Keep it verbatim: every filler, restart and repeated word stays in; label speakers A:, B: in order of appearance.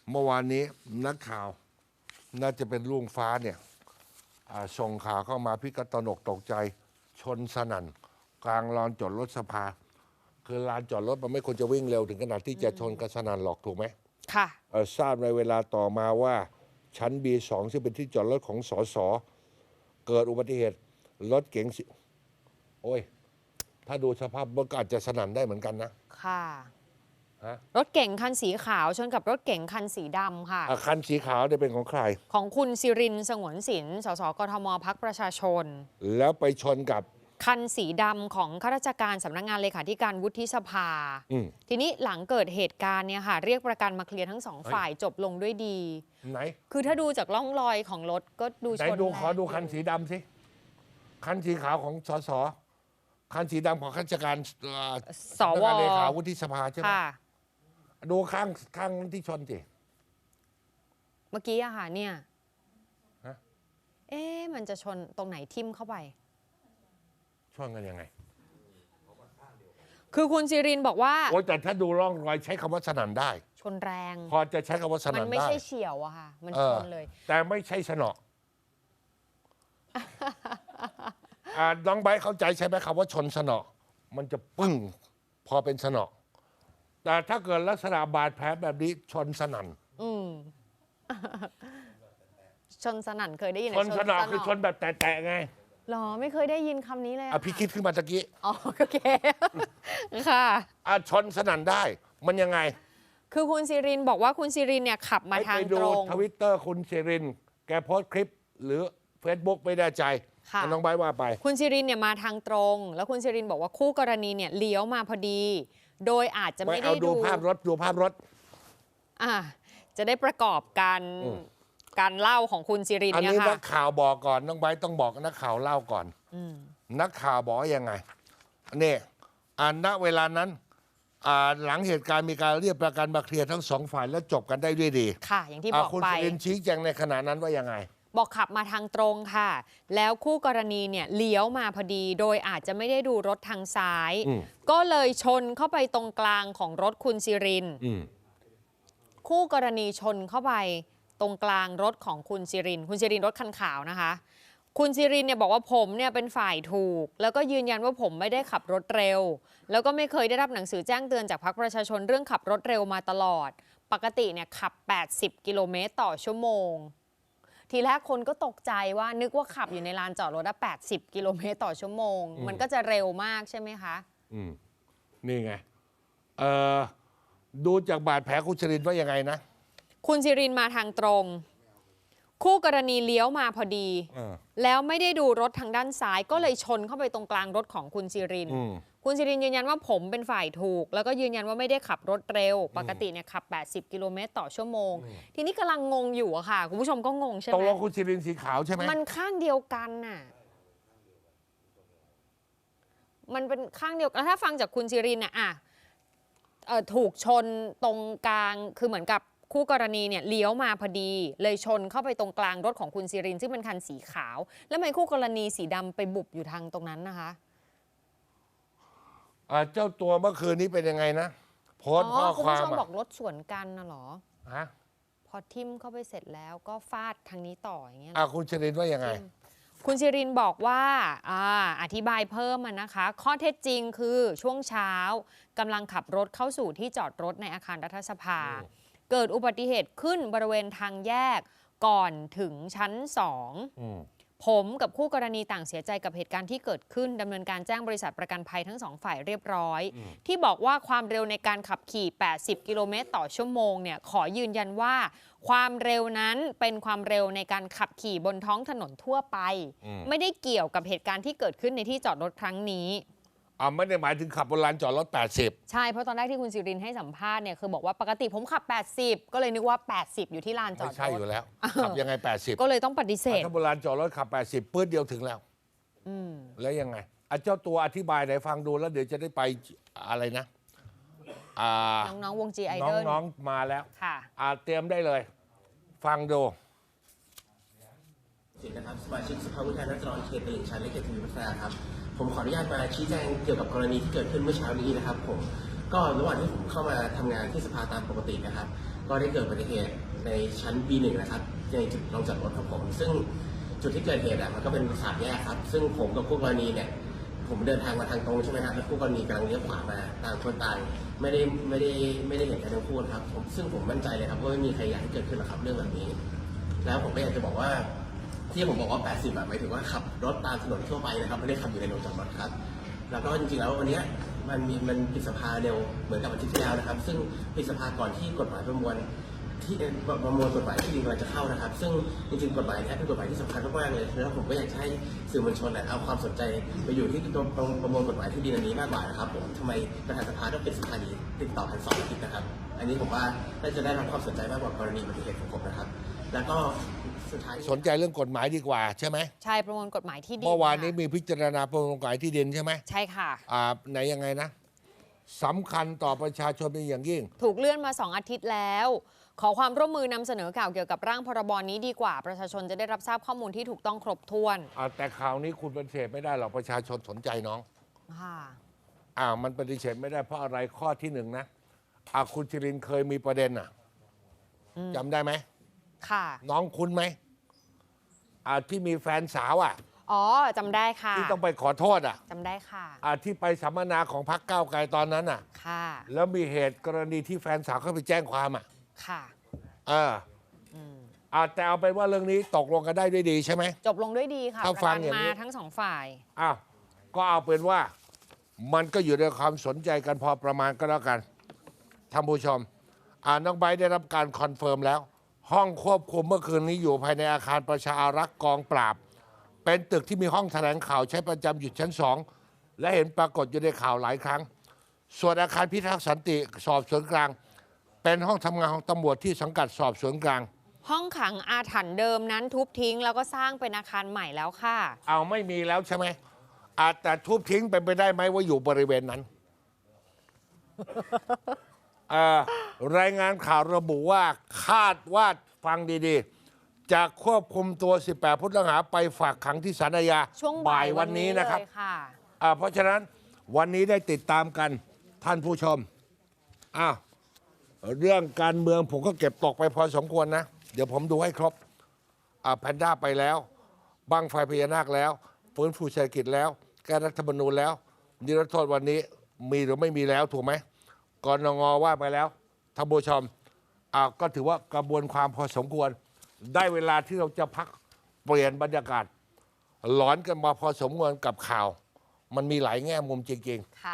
A: เมื่อวานนี้นักข่าวน่าจะเป็นลุงฟ้าเนี่ยส่งข่าวเข้ามาพี่ก็ตระหนกตกใจชนสนั่นกลางลานจอดรถสภาคือลานจอดรถมันไม่ควรจะวิ่งเร็วถึงขนาดที่จะชนกันสนั่นหรอกถูกไหม
B: ค่ะ
A: ทราบในเวลาต่อมาว่าชั้น บี สอง ซึ่งเป็นที่จอดรถของสสเกิดอุบัติเหตุรถเก๋งสิโอ้ยถ้าดูสภาพรถก็อาจจะสนั่นได้เหมือนกันนะ
B: ค่ะ
A: ฮะ
B: รถเก๋งคันสีขาวชนกับรถเก๋งคันสีดำค่ะ
A: คันสีขาวเนี่ยเป็นของใคร
B: ของคุณสิรินทร์สงวนสินสสกทมพรรคประชาชน
A: แล้วไปชนกับ
B: คันสีดำของข้าราชการสำนักงานเลขาธิการวุฒิสภาทีนี้หลังเกิดเหตุการณ์เนี่ยค่ะเรียกประกันมาเคลียร์ทั้งสองฝ่ายจบลงด้วยดี
A: ไหน
B: คือถ้าดูจากร่องรอยของรถก็ดูชน
A: ไหนดูขอดูคันสีดำสิคันสีขาวของสสคันสีดำของข้าราชการ
B: สว
A: เลขาวุฒิสภาใช่ไหมดูข้างข้างที่ชนสิ
B: เมื่อกี้อะค่ะเนี่ยเอ๊ะมันจะชนตรงไหนทิ่มเข้าไป
A: ชนกันยังไง
B: คือคุณสิรินบอกว่า
A: โอ้แต่ถ้าดูร่องรอยใช้คำว่าสนั่นได้
B: ชนแรง
A: พอจะใช้คำว่าสนั่นได้
B: มันไม่ใช่เฉียวอะค่ะมันชนเลย
A: แต่ไม่ใช่สนอน้องไบร์ทเข้าใจใช่ไหมคำว่าชนสนอมันจะปึ้งพอเป็นสนอแต่ถ้าเกิดลักษณะบาดแผลแบบนี้ชนสนั่น
B: อืมชนสนั่นเคยได้ยิน
A: ชนสนอคือชนแบบแตะๆไง
B: หรอไม่เคยได้ยินคำนี้เลย
A: อ่ะพี่คิดขึ้นมาตะกี้
B: อ๋อโอเคค่ะ
A: อ่ะชนสนั่นได้มันยังไง
B: คือคุณสิรินบอกว่าคุณสิรินเนี่ยขับมาทางตรง
A: ไปดูทวิตเตอร์คุณสิรินแกโพสต์คลิปหรือ Facebook ไม่แน่ใจน้องไบร์ทว่าไป
B: คุณสิรินเนี่ยมาทางตรงแล้วคุณสิรินบอกว่าคู่กรณีเนี่ยเลี้ยวมาพอดีโดยอาจจะไม่ได้ดู
A: ภาพรถดูภาพรถ
B: อ่าจะได้ประกอบการการเล่าของคุณสิริน
A: เนี่ยค่ะอันนี้นักข่าวบอกก่อนน้องไบร์ทต้องบอกนักข่าวเล่าก่อนนักข่าวบอกยังไงเนี่ยณเวลานั้นหลังเหตุการณ์มีการเรียกประกันมาเคลียร์ทั้งสองฝ่ายแล้วจบกันได้ด้วยดี
B: ค่ะอย่างที่บอกไป
A: คุณสิรินชี้แจงในขณะนั้นว่ายังไง
B: บอกขับมาทางตรงค่ะแล้วคู่กรณีเนี่ยเลี้ยวมาพอดีโดยอาจจะไม่ได้ดูรถทางซ้ายก็เลยชนเข้าไปตรงกลางของรถคุณสิรินคู่กรณีชนเข้าไปตรงกลางรถของคุณสิรินคุณสิรินรถคันขาวนะคะคุณสิรินเนี่ยบอกว่าผมเนี่ยเป็นฝ่ายถูกแล้วก็ยืนยันว่าผมไม่ได้ขับรถเร็วแล้วก็ไม่เคยได้รับหนังสือแจ้งเตือนจากพรรคประชาชนเรื่องขับรถเร็วมาตลอดปกติเนี่ยขับแปดสิบกิโลเมตรต่อชั่วโมงทีแรกคนก็ตกใจว่านึกว่าขับอยู่ในลานจอดรถแปดสิบกิโลเมตรต่อชั่วโมงมันก็จะเร็วมากใช่ไหมคะ
A: อืมนี่ไงเอ่อดูจากบาดแผลคุณสิรินว่ายังไงนะ
B: คุณสิรินมาทางตรงคู่กรณีเลี้ยวมาพอดีแล้วไม่ได้ดูรถทางด้านซ้ายก็เลยชนเข้าไปตรงกลางรถของคุณสิรินคุณสิรินยืนยันว่าผมเป็นฝ่ายถูกแล้วก็ยืนยันว่าไม่ได้ขับรถเร็วปกติเนี่ยขับแปดสิบกิโลเมตรต่อชั่วโมงทีนี้กำลังงงอยู่อะค่ะคุณผู้ชมก็งงใช่ไหม
A: ตกลงคุณสิรินสีขาวใช่ไหม
B: มันข้างเดียวกันน่ะมันเป็นข้างเดียวกันถ้าฟังจากคุณสิรินน่ะอ่ะถูกชนตรงกลางคือเหมือนกับคู่กรณีเนี่ยเลี้ยวมาพอดีเลยชนเข้าไปตรงกลางรถของคุณสิรินซึ่งเป็นคันสีขาวแล้วทำไมคู่กรณีสีดำไปบุบอยู่ทางตรงนั้นนะคะ
A: เจ้าตัวเมื่อคืนนี้เป็นยังไงนะโพสต์ข้อความ
B: คุณผู้ชมบอกรถสวนกันนะหรอ
A: ฮะ
B: พอทิ่มเข้าไปเสร็จแล้วก็ฟาดทางนี้ต่ออย่างเงี้ย
A: อ่ะคุณสิรินว่ายังไง
B: คุณสิรินบอกว่าอ่าอธิบายเพิ่มนะคะข้อเท็จจริงคือช่วงเช้ากำลังขับรถเข้าสู่ที่จอดรถในอาคารรัฐสภาเกิดอุบัติเหตุขึ้นบริเวณทางแยกก่อนถึงชั้นสองผมกับคู่กรณีต่างเสียใจกับเหตุการณ์ที่เกิดขึ้นดำเนินการแจ้งบริษัทประกันภัยทั้งสองฝ่ายเรียบร้อยที่บอกว่าความเร็วในการขับขี่แปดสิบกิโลเมตรต่อชั่วโมงเนี่ยขอยืนยันว่าความเร็วนั้นเป็นความเร็วในการขับขี่บนท้องถนนทั่วไปไม่ได้เกี่ยวกับเหตุการณ์ที่เกิดขึ้นในที่จอดรถครั้งนี้
A: อ่าไม่ได้หมายถึงขับบนลานจอดรถแปดสิบ
B: ใช่เพราะตอนแรกที่คุณสิรินให้สัมภาษณ์เนี่ยคือบอกว่าปกติผมขับแปดสิบก็เลยนึกว่าแปดสิบอยู่ที่ลานจอดรถ
A: ไม่ใช่อยู่แล้วขับยังไงแปดสิบ
B: ก็เลยต้องปฏิเสธ
A: ถ้าบนลานจอดรถขับแปดสิบปื้ดเดียวถึงแล้ว
B: อืม
A: แล้วยังไงอ่ะเจ้าตัวอธิบายไหนฟังดูแล้วเดี๋ยวจะได้ไปอะไรนะ
B: อ่าน้องๆวงจีไอดอล
A: น้องๆมาแล้ว
B: ค่ะ
A: อ่าเตรียมได้เลยฟังดู
C: สินะครับสมาชิกสภาผู้แทนราษฎรเขตตลิ่งชันและเขตทวีวัฒนาครับผมขออนุญาตมาชี้แจงเกี่ยวกับกรณีที่เกิดขึ้นเมื่อเช้านี้นะครับผมก็ระหว่างที่ผมเข้ามาทำงานที่สภาตามปกตินะครับก็ได้เกิดอุบัติเหตุในชั้น บี หนึ่ง นะครับในจุดลงจอดรถของผม ซึ่งจุดที่เกิดเหตุอ่ะมันก็เป็นสามแยกครับซึ่งผมกับคู่กรณีเนี่ยผมเดินทางมาทางตรงใช่ไหมครับแล้วคู่กรณีกำลังเลี้ยวขวามาต่างคนต่างไม่ได้ไม่ได้ไม่ได้เห็นกันทั้งคู่นะครับผมซึ่งผมมั่นใจเลยครับว่าไม่มีใครอยากให้เกิดขึ้นหรอกครับเรื่องแบบนี้ แล้วผมก็อยากจะบอกว่าที่ผมบอกว่าแปดสิบแบบหมายถึงว่าขับรถตามถนนทั่วไปนะครับไม่ได้ขับอยู่ในโรงจอดรถครับแล้วก็จริงๆแล้ววันนี้มันมีมันปิดสภาเร็วเหมือนกับวันที่แล้วนะครับซึ่งปิดสภาก่อนที่กฎหมายประมวลที่ประมวลกฎหมายที่ดินกำลังจะเข้านะครับซึ่งจริงๆกฎหมายนี้เป็นกฎหมายที่สำคัญมากๆเลยแล้วผมก็อยากให้สื่อมวลชนเอาความสนใจไปอยู่ที่ตัวประมวลกฎหมายที่ดินอันนี้มากกว่านะครับผมทำไมประธานสภาต้องเป็นสภานี้ติดต่อกันสองอาทิตย์นะครับอันนี้ผมว่าน่าจะได้รับความสนใจมากกว่ากรณีอุบัติเหตุของผมนะครับแล้วก็สุดท้าย
A: สนใจเรื่องกฎหมายดีกว่าใช่ไหม
B: ใช่ประมวลกฎหมายที่ดิน
A: เมื่อวานนี้
B: ค่ะ
A: มีพิจารณาประมวลกฎหมายที่ดินใช่ไหม
B: ใช่ค่ะ
A: อ่าไหนยังไงนะสำคัญต่อประชาชนเป็นอย่างยิ่ง
B: ถูกเลื่อนมาสองอาทิตย์แล้ว ขอความร่วมมือนำเสนอข่าวเกี่ยวกับร่างพรบนี้ดีกว่า ประชาชนจะได้รับทราบข้อมูลที่ถูกต้องครบถ้วน
A: อ่าแต่ข่าวนี้คุณปฏิเสธไม่ได้หรอกประชาชนสนใจน้อง
B: ค่ะ
A: อ่ามันปฏิเสธไม่ได้เพราะอะไรข้อที่หนึ่งนะอ่าคุณชรินทร์เคยมีประเด็นอ่ะจำได้ไหม
B: ค่ะ
A: น้องคุณไหมอ่าที่มีแฟนสาวอ่ะ
B: อ๋อจำได้ค่ะ
A: ที่ต้องไปขอโทษอ่ะ
B: จำได้ค่ะ
A: อ่าที่ไปสัมมนาของพรรคก้าวไกลตอนนั้นอ่ะ
B: ค่ะ
A: แล้วมีเหตุกรณีที่แฟนสาวเขาไปแจ้งความอ่ะ
B: ค่ะ
A: เอออ่าแต่เอาเป็นว่าเรื่องนี้ตกลงกันได้ด้วยดีใช่ไหม
B: จบลงด้วยดีค่ะ
A: ถ้า
B: ประ
A: ฟัง
B: กัน
A: อย่าง
B: มา
A: นี้
B: ทั้งสองฝ่าย
A: อ้าวก็เอาเป็นว่ามันก็อยู่ในความสนใจกันพอประมาณก็แล้วกันท่านผู้ชมอ่าน้องไบร์ทได้รับการคอนเฟิร์มแล้ว ห้องควบคุมเมื่อคืนนี้อยู่ภายในอาคารประชาอารักษ์กองปราบ เป็นตึกที่มีห้องแถลงข่าวใช้ประจำอยู่ชั้นสองและเห็นปรากฏอยู่ในข่าวหลายครั้ง ส่วนอาคารพิทักษ์สันติสอบสวนกลาง เป็นห้องทำงานของตำรวจที่สังกัดสอบสวนกลาง
B: ห้องขังอาถรรพ์เดิมนั้นทุบทิ้งแล้วก็สร้างเป็นอาคารใหม่แล้วค่ะ
A: เอาไม่มีแล้วใช่ไหมอาจแต่ทุบทิ้งเป็นไปได้ไหมว่าอยู่บริเวณนั้น เอ่อรายงานข่าวระบุว่าคาดว่าฟังดีๆ จะควบคุมตัว สิบแปด ผู้ต้องหาไปฝากขังที่ศาลอาญา
B: ช่วงบ่ายวันนี้
A: นะครับ
B: เลยค่ะ
A: อ่าเพราะฉะนั้นวันนี้ได้ติดตามกันท่านผู้ชมอ้าวเรื่องการเมืองผมก็เก็บตกไปพอสมควรนะ เดี๋ยวผมดูให้ครบอ่าแพนด้าไปแล้วบั้งไฟพญานาคแล้วฟื้นฟูเศรษฐกิจแล้ว แก้รัฐธรรมนูญแล้วนิรโทษวันนี้มีหรือไม่มีแล้วถูกไหมกนงว่าไปแล้วท่านผู้ชมอ่าก็ถือว่ากระบวนความพอสมควร ได้เวลาที่เราจะพักเปลี่ยนบรรยากาศ หลอนกันมาพอสมควรกับข่าว มันมีหลายแง่มุมจริงๆ